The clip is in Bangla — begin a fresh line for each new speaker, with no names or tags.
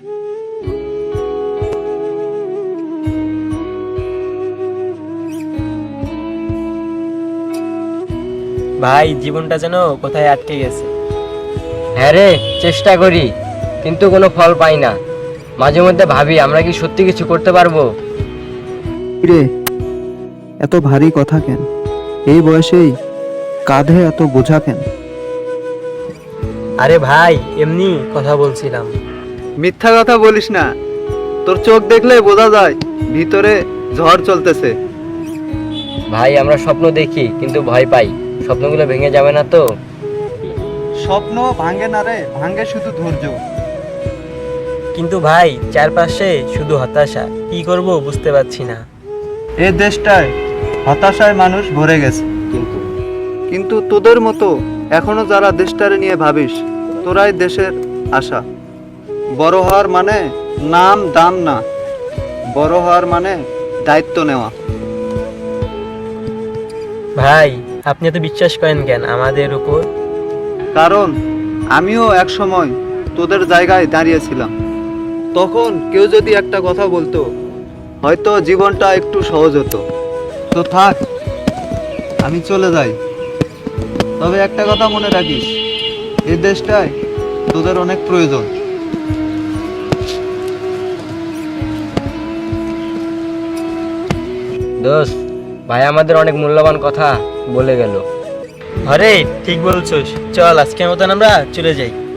ভাই, জীবনটা যেন কোথায় আটকে গেছে।
হ্যাঁ রে, চেষ্টা করি কিন্তু কোনো ফল পাই না। মাঝে মধ্যে ভাবি আমরা কি সত্যি কিছু করতে পারবো।
রে, এত ভারী কথা কেন? এই বয়সেই কাঁধে এত বোঝা কেন?
আরে ভাই, এমনি কথা বলছিলাম।
মিথ্যা কথা বলিস না, তোর চোখ দেখলে বোঝা যায় ভিতরে ঝড় চলতেছে।
ভাই আমরা স্বপ্ন দেখি কিন্তু ভয় পাই, স্বপ্নগুলো ভেঙে যাবে না তো?
স্বপ্ন ভাঙে না রে, ভাঙে শুধু ধৈর্য।
কিন্তু ভাই, চারপাশে শুধু হতাশা, কি করব বুঝতে পারছি না।
এ দেশটায় হতাশায় মানুষ ভরে গেছে, কিন্তু তোদের মতো এখনো যারা দেশটারে নিয়ে ভাবিস, তোরাই দেশের আশা। বড় হওয়ার মানে নাম দাম না, বড় হওয়ার মানে দায়িত্ব নেওয়া।
ভাই, আপনি এত বিশ্বাস করেন কেন আমাদের উপর?
কারণ আমিও এক সময় তোদের জায়গায় দাঁড়িয়েছিলাম। তখন কেউ যদি একটা কথা বলতো, হয়তো জীবনটা একটু সহজ হতো। তো থাক, আমি চলে যাই। তবে একটা কথা মনে রাখিস, এই দেশটায় তোদের অনেক প্রয়োজন।
দোস্ত, ভাই আমাদের অনেক মূল্যবান কথা বলে গেল।
আরে ঠিক বলছোস, চল আজকের মতন আমরা চলে যাই।